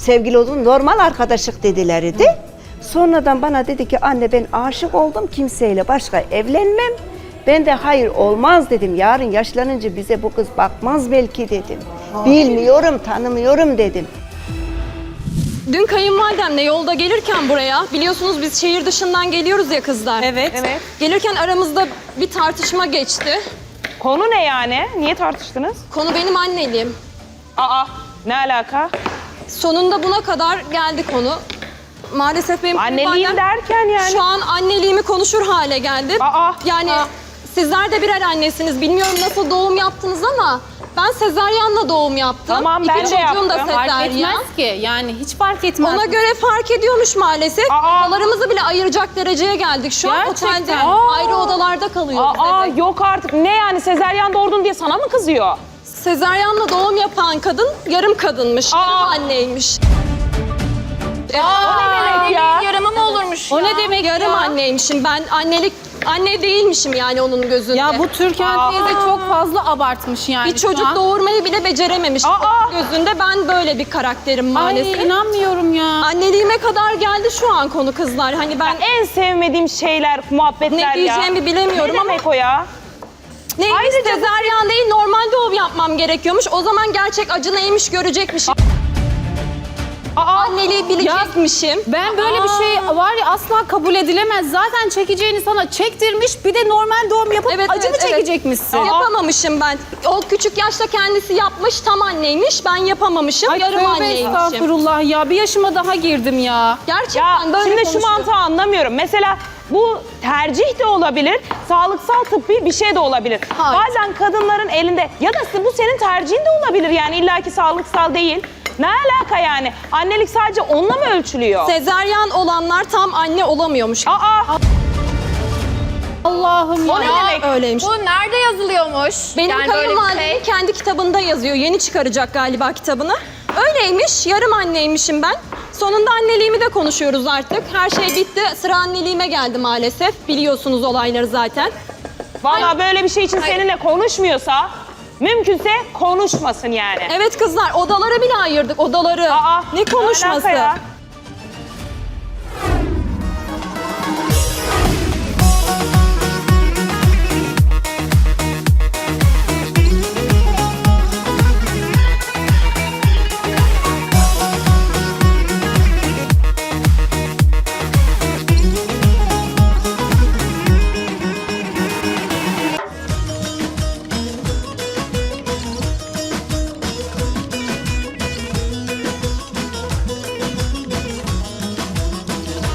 sevgili oldum, normal arkadaşlık dediler idi. Sonradan bana dedi ki anne ben aşık oldum, kimseyle başka evlenmem. Ben de hayır olmaz dedim. Yarın yaşlanınca bize bu kız bakmaz belki dedim. Bilmiyorum, tanımıyorum dedim. Dün kayınvalidemle yolda gelirken buraya, biliyorsunuz biz şehir dışından geliyoruz ya kızlar. Evet. Gelirken aramızda bir tartışma geçti. Konu ne yani? Niye tartıştınız? Konu benim anneliğim. Aa, ne alaka? Sonunda buna kadar geldi konu. Maalesef benim Anneliğim kayınvalidem derken yani. şu an anneliğimi konuşur hale geldi. Yani sizler de birer annesiniz. Bilmiyorum nasıl doğum yaptınız ama ben sezaryenle doğum yaptım. Tamam, ben de çocuğum da yaptım. Fark sezaryen. etmez ki. Yani hiç fark etmez. Ona göre fark ediyormuş maalesef. Odalarımızı bile ayıracak dereceye geldik şu an. Gerçekten. Otelde ayrı odalarda kalıyoruz. Evet. Yok artık. Ne yani sezaryen doğurdun diye sana mı kızıyor? Sezaryenle doğum yapan kadın yarım kadınmış. Yarım anneymiş. O ne demek ya? Yarama mı olurmuş O ne demek yarım anneymişim. Ben anne değilmişim yani onun gözünde. Ya bu Türkan teyze çok fazla abartmış yani. bir çocuk doğurmayı bile becerememiş. Onun gözünde ben böyle bir karakterim maalesef. Ay inanmıyorum ya. Anneliğime kadar geldi şu an konu kızlar. Hani ben En sevmediğim şeyler, muhabbetler ya. ne diyeceğimi bilemiyorum Ne ama demek o ya? neymiş sezaryen değil normal doğum yapmam gerekiyormuş. O zaman gerçek acı neymiş görecekmişim. Anneliği bilecekmişim. Ben böyle bir şey var ya asla kabul edilemez. Zaten çekeceğini sana çektirmiş bir de normal doğum yapıp acı mı çekecekmişsin? Yapamamışım ben. O küçük yaşta kendisi yapmış, tam anneymiş. Ben yapamamışım, Ay yarım tövbe anneymişim. estağfurullah ya. Bir yaşıma daha girdim ya. Gerçekten böyle Şimdi şu konuşuyor. mantığı anlamıyorum. Mesela bu tercih de olabilir, sağlıksal tıbbi bir şey de olabilir. Hayır. Bazen kadınların elinde ya da bu senin tercihin de olabilir yani illaki sağlıksal değil. Ne alaka yani? Annelik sadece onunla mı ölçülüyor? Sezaryen olanlar tam anne olamıyormuş. Allah'ım O ne demek? Öyleymiş. Bu nerede yazılıyormuş? Benim Yani böyle bir kayınvalidemin şey. kendi kitabında yazıyor. Yeni çıkaracak galiba kitabını. Öyleymiş, yarım anneymişim ben. Sonunda anneliğimi de konuşuyoruz artık. Her şey bitti. Sıra anneliğime geldi maalesef. Biliyorsunuz olayları zaten. Vallahi böyle bir şey için seninle konuşmuyorsa mümkünse konuşmasın yani. Evet kızlar, odaları bile ayırdık, odaları. Ne konuşması? alaka ya?